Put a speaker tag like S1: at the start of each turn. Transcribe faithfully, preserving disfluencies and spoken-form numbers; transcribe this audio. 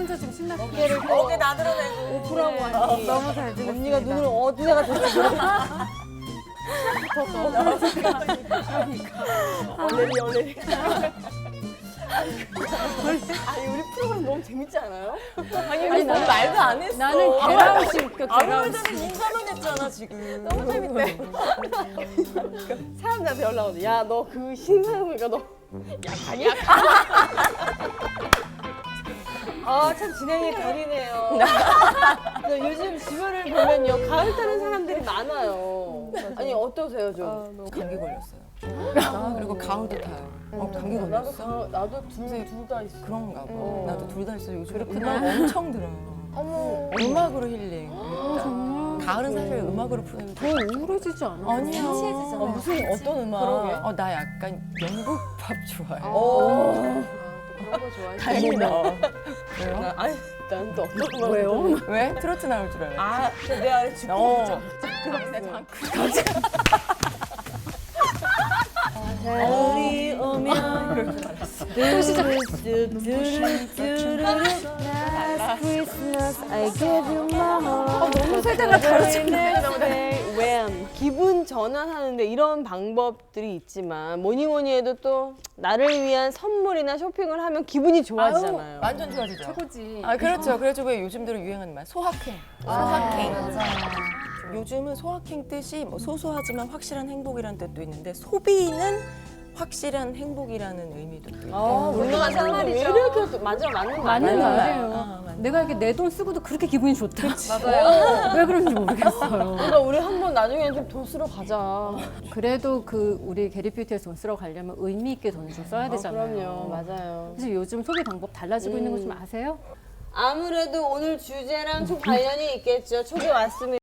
S1: 혼자 지금 신났어.
S2: 어깨를
S3: 어깨 나들어내고
S2: 오프라고 하니
S1: 너무 잘 지냈습니다.
S2: 언니가 눈을 어디다가 댔어. 얼레리 얼레리. 아니 우리 프로그램 너무 재밌지 않아요? 아니 우리
S1: 나는-
S2: 말도 안 했어.
S1: 나는 게라우스 웃겨,
S3: 아무
S1: 게라우스.
S3: 말도 없이 인사만 했잖아 지금.
S2: 너무 재밌대. 사람들한테 연락 오지. 야 너 그 신사임이가 너 약하냐? 아 참 진행이 별이네요. 요즘 주변을 보면요 가을 타는 사람들이 많아요. 아니 어떠세요 좀?
S3: 감기 걸렸어요. 아, 그리고 가을도 타요. 어, 감기
S2: 나도
S3: 걸렸어?
S2: 가, 나도 둘둘 다 있어.
S3: 그런가 봐.
S2: 어.
S3: 나도 둘 다 있어요. 요즘 음악 엄청 들어요.
S2: 어머.
S3: 음악으로 힐링.
S1: 아, 정말.
S3: 가을은 사실 음악으로 푸는
S1: 더 우울해지지 않아?
S3: 아니야.
S1: 진지해지잖아.
S3: 어, 무슨 어떤 음악?
S2: 그러게.
S3: 어, 나 약간 영국 팝 좋아해.
S2: 오. 아, 그런 거 좋아해.
S3: 다행이다. 왜요?
S2: 나, 아니 난 또 어떤 음악
S1: 왜요?
S3: 왜? 트로트 나올 줄 알았지.
S2: 아, 근데 내가 죽고
S3: 어.
S2: 있죠. 가을이 오면
S1: 또 시작.
S2: Christmas I give you my heart.
S1: 어, 너무 세대가 다르지.
S2: When 기분 전환하는데 이런 방법들이 있지만 뭐니 뭐니 해도 또 나를 위한 선물이나 쇼핑을 하면 기분이 좋아지잖아요.
S3: 완전 좋아지죠.
S1: 최고지.
S3: 아 그렇죠. 그래가지고 왜 요즘 들어 유행하는 말 소확행. 소확행.
S1: 맞아.
S3: 요즘은 소확행 뜻이 뭐 소소하지만 확실한 행복이라는 뜻도 있는데 소비는 확실한 행복이라는 의미도 또 있고.
S2: 아, 우리나라 사람들이 왜 이렇게 또 맞아 맞는
S1: 맞는
S2: 말이에요.
S1: 말이에요.
S3: 아, 맞네.
S1: 내가 이렇게 내 돈 쓰고도 그렇게 기분이 좋다. 맞아요. 왜 그런지 모르겠어요.
S2: 그러니까 우리 한번 나중에 좀 돈 쓰러 가자.
S1: 그래도 그 우리 게리뷰티에서 돈 쓰러 가려면 의미 있게 돈을 좀 써야 되잖아요.
S2: 그럼요, 맞아요.
S1: 그래서 요즘 소비 방법 달라지고 있는 거 좀
S2: 음.
S1: 아세요?
S2: 아무래도 오늘 주제랑 좀 관련이 있겠죠. 초기 왔습니다.